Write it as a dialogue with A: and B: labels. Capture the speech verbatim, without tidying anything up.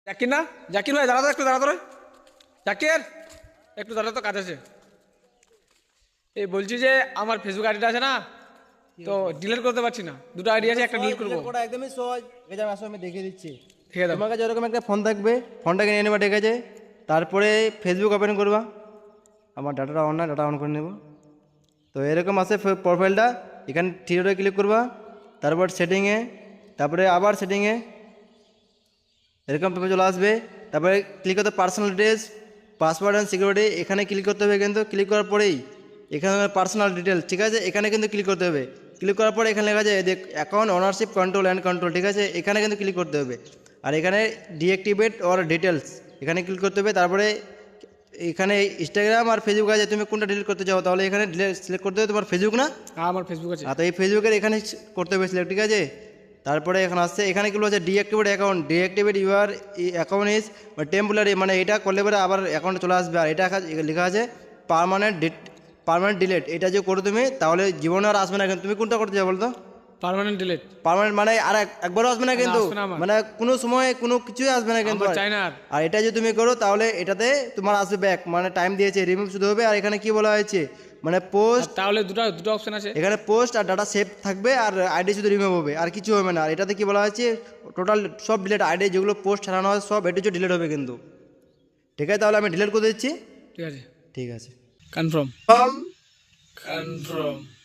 A: জাকির না, জাকির ভাই দাঁড়া তো, একটু দাঁড়া তো রে। জাকির একটু দাঁড়া তো, কাজ আছে। এই বলছি যে আমার ফেসবুক আইডিটা আছে না, তো ডিলিট করতে পারছি না। দুটো আইডি আছে, একটা ডিলিট করবো।
B: ওটা একদমই সহজ। ঠিক আছে, আসো আমি দেখিয়ে দিচ্ছি।
A: ঠিক আছে,
B: তোমার কাছে এরকম একটা ফোন থাকবে, ফোনটাকে নিয়ে নেবা, ঠিক আছে। তারপরে ফেসবুক ওপেন করবা। আমার ডাটাটা অন না, ডাটা অন করে নেব। তো এরকম আছে প্রোফাইলটা। এখানে থ্রি ডটে ক্লিক করবা, তারপর সেটিংয়ে, তারপরে আবার সেটিংয়ে, এরকম পেপার চলে আসবে। তারপরে ক্লিক করতে personal details, password and security, এখানে ক্লিক করতে হবে। কিন্তু ক্লিক করার পরেই এখানে পার্সোনাল ডিটেলস, ঠিক আছে, এখানে কিন্তু ক্লিক করতে হবে। ক্লিক করার পরে এখানে লেখা আছে দেখ account ownership control and control, ঠিক আছে, এখানে কিন্তু ক্লিক করতে হবে। আর এখানে ডিঅ্যাক্টিভেট অর ডিটেলস, এখানে ক্লিক করতে হবে। তারপরে এখানে ইনস্টাগ্রাম আর ফেসবুক আছে, তুমি কোনটা ডিলিট করতে চাও, তাহলে এখানে ডিলিট সিলেক্ট করতে হবে তোমার ফেসবুক না।
A: হ্যাঁ আমার ফেসবুক আছে।
B: আর তো এই ফেসবুকের এখানে করতে হবে সিলেক্ট, ঠিক আছে। তারপরে এখানে আসছে, এখানে কি বলছে deactivate account, deactivate your account is temporary, মানে এটা করলে পরে আবার অ্যাকাউন্টে চলে আসবে। আর এটা লেখা আছে পার্মানেন্ট ডিট পার্মানেন্ট ডিলিট, এটা যে করো তুমি তাহলে জীবনে আর আসবে না। কিন্তু তুমি কোনটা করতে চাও বলতো?
A: Permanent delete.
B: পার্মানেন্ট মানে আর এক- একবারও আসবে না কিন্তু,
A: আসবে না আমার।
B: মানে কোনো সময় কোনো কিছুই আসবে না কিন্তু।
A: আমার চাই না আর।
B: আর এটা যদি তুমি করো তাহলে এটাতে তোমার আসবে ব্যাক, মানে টাইম দিয়েছে রিমুভ শুধু হবে। আর এখানে কি বলা হয়েছে, মানে পোস্ট,
A: আর তাহলে দুটো দুটো অপশন আছে।
B: এখানে পোস্ট আর ডাটা সেভ থাকবে, আর আইডি শুধু রিমুভ হবে, আর কিছু হবে না। আর এটাতে কি বলা হয়েছে, টোটাল সব ডিলিট, আইডি যেগুলো পোস্ট ছাড়ানো হয় সব এটু ডিলিট হবে কিন্তু। ঠিক আছে, তাহলে আমি ডিলিট করে দিচ্ছি।
A: ঠিক আছে,
B: ঠিক আছে,
A: কনফার্ম কনফার্ম।